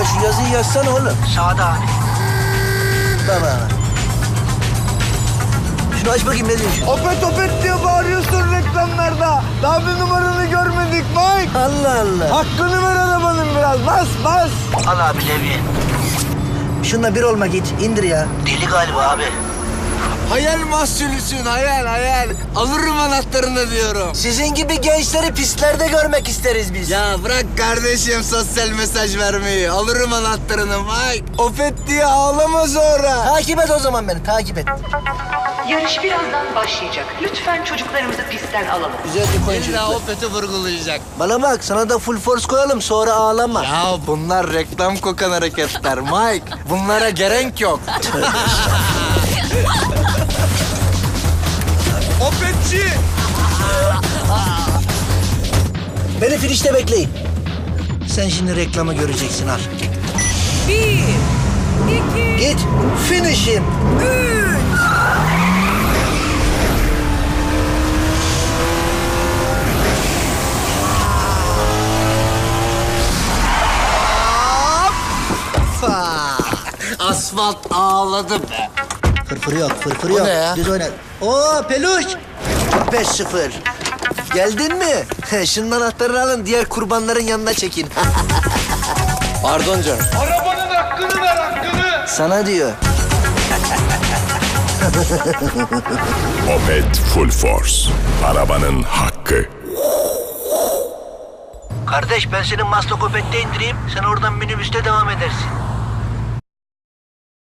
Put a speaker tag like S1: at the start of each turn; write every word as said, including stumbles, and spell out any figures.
S1: ya? Şu yazıyı yazsana oğlum.
S2: Sağda abi.
S1: Baba. Şunu aç bakayım, ne diyor şu?
S3: Opet opet diye bağırıyorsun reklamlarda. Daha bir numaranı görmedik Mike.
S1: Allah Allah.
S3: Hakkını ver arabanın biraz. Bas bas.
S2: Al abi Levi.
S1: Şununla bir olma git. İndir ya.
S2: Deli galiba abi.
S3: Hayal mahsulüsün hayal hayal. Alırım anahtarını diyorum.
S1: Sizin gibi gençleri pistlerde görmek isteriz biz.
S3: Ya bırak kardeşim sosyal mesaj vermeyi. Alırım anahtarını Mike. Opet diye ağlama sonra.
S1: Takip et o zaman beni, takip et.
S4: Yarış birazdan başlayacak. Lütfen çocuklarımızı pistten alalım.
S1: Güzel bir koyun
S3: İlla
S1: çocuklar.
S3: Opet'i vurgulayacak.
S1: Bana bak, sana da full force koyalım, sonra ağlama.
S3: Ya bunlar reklam kokan hareketler Mike. Bunlara gerek yok. Opetçi!
S1: Beni finişte bekleyin. Sen şimdi reklamı göreceksin, al.
S5: Bir, iki,
S1: Git, finishim.
S5: üç.
S3: Asfalt ağladı be.
S1: Fırfır yok, fırfır
S3: O
S1: yok.
S3: ne ya?
S1: Düz oyna. Oo peluş. beş sıfır. Geldin mi? Şunun anahtarını alın, diğer kurbanların yanına çekin.
S3: Pardon canım.
S6: Arabanın hakkını ver hakkını.
S1: Sana diyor.
S7: Opet Full Force. Arabanın hakkı.
S2: Kardeş ben senin Maslakopet'te indireyim. Sen oradan minibüste devam edersin.